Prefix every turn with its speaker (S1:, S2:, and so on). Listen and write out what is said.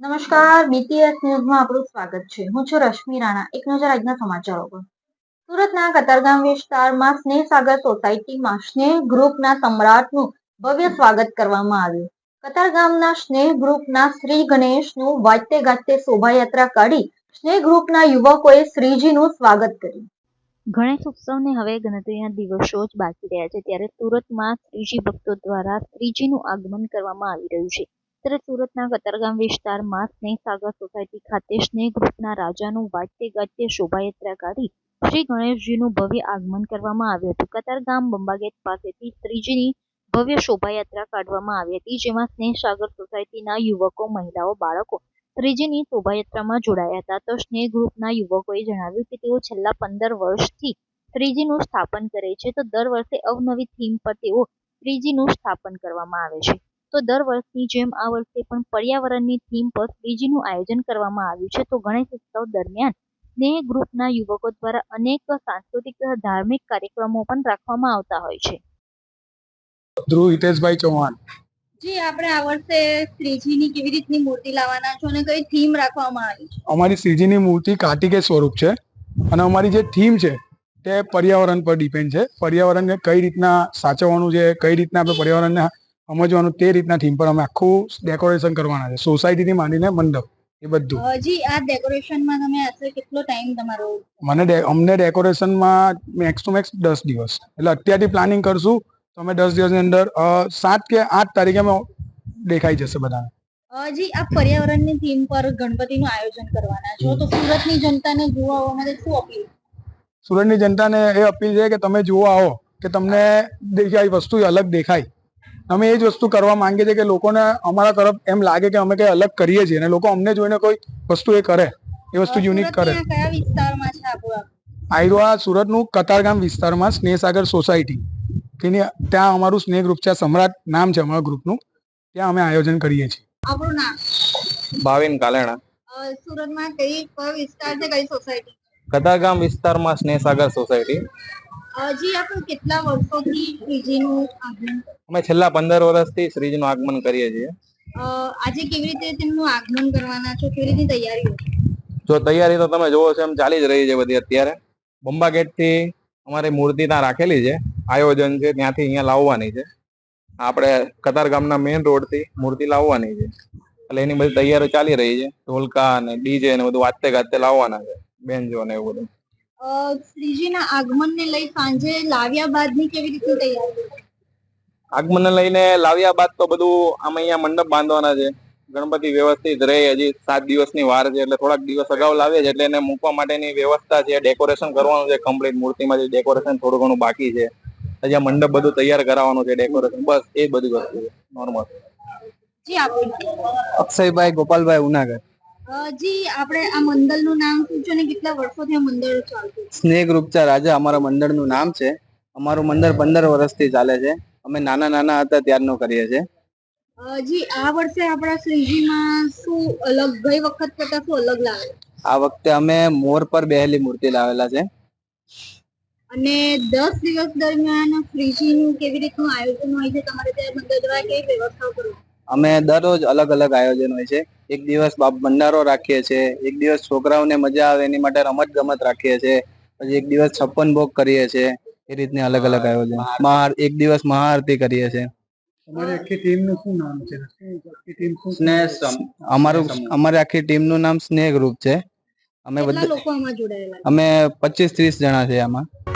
S1: નમસ્કાર, બીટીએસ ન્યૂઝમાં આપનું સ્વાગત છે. હું છું રશ્મિ રાણા. એક નજર આજના સમાચારો પર. સુરતના કતારગામ વિસ્તારમાં સ્નેહ સાગર સોસાયટીમાં સ્નેહ ગ્રુપના સમ્રાટનું ભવ્ય સ્વાગત કરવામાં આવ્યું. કતારગામના સ્નેહ ગ્રુપના શ્રી ગણેશનું વાજતે ગાજતે શોભાયાત્રા કાઢી સ્નેહ ગ્રુપના યુવકોએ શ્રીજીનું સ્વાગત કર્યું.
S2: ગણેશ ઉત્સવને હવે ગણતરીના દિવસો જ બાકી રહ્યા છે, ત્યારે સુરતમાં શ્રીજી ભક્તો દ્વારા શ્રીજીનું આગમન કરવામાં આવી રહ્યું છે. ત્યારે સુરતના કતારગામ વિસ્તારમાં સ્નેહ સાગર સોસાયટી ખાતે સ્નેહ ગ્રુપના રાજાનું વાજતે ગાજતે શોભાયાત્રા કાઢી શ્રી ગણેશજીનું ભવ્ય આગમન કરવામાં આવ્યું હતું. કતારગામ બંબાગેટ પાસેથી શ્રીજીની ભવ્ય શોભાયાત્રા કાઢવામાં આવી હતી, જેમાં સ્નેહ સાગર સોસાયટીના યુવકો, મહિલાઓ, બાળકો શ્રીજીની શોભાયાત્રામાં જોડાયા હતા. તો સ્નેહ ગ્રુપના યુવકોએ જણાવ્યું કે તેઓ છેલ્લા 15 વર્ષથી શ્રીજીનું સ્થાપન કરે છે. તો દર વર્ષે અવનવી થીમ પર તેઓ શ્રીજીનું સ્થાપન કરવામાં આવે છે. તો દર વર્ષની જેમ આ વર્ષે પણ પર્યાવરણની થીમ પર શ્રીજીનું આયોજન કરવામાં આવ્યું છે. તો ગણેશ ઉત્સવ દરમિયાન સ્નેહ ગ્રુપના યુવકો દ્વારા અનેક સાંસ્કૃતિક ધાર્મિક કાર્યક્રમો પણ રાખવામાં આવતા હોય છે.
S3: ધ્રુવ હિતેશભાઈ ચૌહાણ.
S1: જી, આપણે આ વર્ષે શ્રીજીની કેવી રીતની મૂર્તિ લાવવાના છો અને કઈ થીમ રાખવામાં આવી છે?
S3: અમારી શ્રીજીની મૂર્તિ કાર્તિકેય સ્વરૂપ છે અને અમારી જે થીમ છે તે પર્યાવરણ પર ડિપેન્ડ છે. પર્યાવરણને કઈ રીતના સાચવવાનું છે, કઈ રીતના આપણે પર્યાવરણને સમજવાનું, તે રીતના થીમ પર અમે આખું ડેકોરેશન કરવાના છે, સોસાયટીથી માંડીને મંડપ એ બધું.
S1: જી, આ ડેકોરેશનમાં તમે આશરે કેટલો ટાઈમ તમારો?
S3: અમને ડેકોરેશનમાં મેક્સ ટુ મેક્સ 10 દિવસ, એટલે અત્યારથી પ્લાનિંગ કરશું તો અમે 10 દિવસની અંદર 7 કે 8 તારીખે અમે દેખાઈ જશે બધાને.
S1: જી, આપ પર્યાવરણની થીમ પર ગણપતિનું આયોજન કરવાના છો, તો સુરતની જનતાને જોવા આવવા માટે શું અપીલ?
S3: સુરતની જનતાને એ અપીલ છે કે તમે જોવા આવો કે તમને દેખાય વસ્તુ અલગ દેખાય. અમે એ જ વસ્તુ કરવા માંગીએ છીએ કે લોકોને અમારા તરફ એમ લાગે કે અમે કંઈ અલગ કરીએ છીએ અને લોકો અમને જોઈને કોઈ વસ્તુ એ કરે, એ વસ્તુ યુનિક કરે.
S1: કયા વિસ્તારમાં છે આપણું?
S3: આયરો સુરતનું કતારગામ વિસ્તારમાં સ્નેહ સાગર સોસાયટી, ત્યાં અમારું સ્નેહ ગ્રુપ છે, સમ્રાટ નામ છે અમારા ગ્રુપનું. ત્યાં અમે આયોજન કરીએ છીએ.
S1: આપણું નામ?
S4: ભાવિન કાલેણા.
S1: સુરતમાં કયો વિસ્તાર છે, કઈ સોસાયટી?
S4: કતારગામ વિસ્તારમાં સ્નેહ સાગર સોસાયટી.
S1: જી, આપણે કેટલા વર્ષોથી શ્રીજીનું આગમન?
S4: અમે છેલ્લા 15 વર્ષથી શ્રીજીનું આગમન કરીએ છીએ.
S1: આજે કેવી રીતે તેમનું આગમન કરવાના છો, કેવી રીતની તૈયારીઓ?
S4: જો તૈયારી તો તમે જોવો છો એમ ચાલી જ રહી છે બધી. અત્યારે બંબા ગેટ થી અમારી મૂર્તિ ત્યાં રાખેલી છે, આયોજન છે ત્યાંથી અહીંયા લાવવાની છે. આપણે કતારગામના મેઇન રોડ થી મૂર્તિ લાવવાની છે, એટલે એની બધી તૈયારીઓ ચાલી રહી છે. ઢોલકા અને ડીજે ને બધું વાજતે ગાજતે લાવવાના છે, બેન્જો ને એવું બધું.
S1: શ્રીજીના આગમનને લઈ સાંજે લાવ્યા બાદની કેવી રીતની તૈયારી?
S4: આગમનને લઈને લાવ્યા બાદ તો બધું આમ અહીંયા મંડપ બાંધવાના છે. ગણપતિ વ્યવસ્થિત રહે, હજી 7 દિવસની વાર છે, એટલે થોડાક દિવસ અગાઉ લાવીએ છીએ, એટલે એને મૂકવા માટેની વ્યવસ્થા છે, ડેકોરેશન કરવાનું છે કમ્પ્લીટ. મૂર્તિમાં જે ડેકોરેશન થોડું ઘણું બાકી છે, હજી આ મંડપ બધું તૈયાર કરાવવાનું છે, ડેકોરેશન, બસ એ બધી વસ્તુ છે નોર્મલ.
S1: જી, આપણું?
S4: અક્ષયભાઈ ગોપાલભાઈ ઉનાગર.
S1: જી, આપણે આ મંડળનું નામ શું છે અને કેટલા વર્ષોથી આ મંડળ ચાલતું?
S4: સ્નેહ ગ્રુપ ચા રાજા અમારા મંડળનું નામ છે. અમારું મંડળ 15 વર્ષથી ચાલે છે. અમે નાના હતા ત્યારનું કરીએ છીએ.
S1: જી, આ વર્ષે આપણા શ્રીજીમાં શું અલગ, ગઈ વખત કરતા શું અલગ લાવે?
S4: આ વખતે અમે મોર પર બેહેલી મૂર્તિ લાવેલા છે.
S1: અને 10 દિવસ દરમિયાન શ્રીજીનું કેવી રીતનું આયોજન હોય છે તમારે ત્યાં મંડળ દ્વારા, કેવી વ્યવસ્થાઓ કરો? અમે
S4: દરરોજ અલગ અલગ આયોજન હોય છે. એક દિવસ ભંડારો રાખીએ છીએ, એક દિવસ છોકરાઓને મજા આવે એની માટે રમત ગમત રાખીએ છીએ, પછી એક દિવસ 56 ભોગ કરીએ છીએ. એ રીતની અલગ અલગ આયોજન. એક દિવસ મહાઆરતી કરીએ છીએ.
S3: અમારી આખી ટીમનું શું નામ છે?
S4: અમારી આખી ટીમનું નામ સ્નેહ ગ્રુપ છે.
S1: કેટલા લોકો આમાં જોડાયેલા છે?
S4: અમે 25-30 જણા છે આમાં.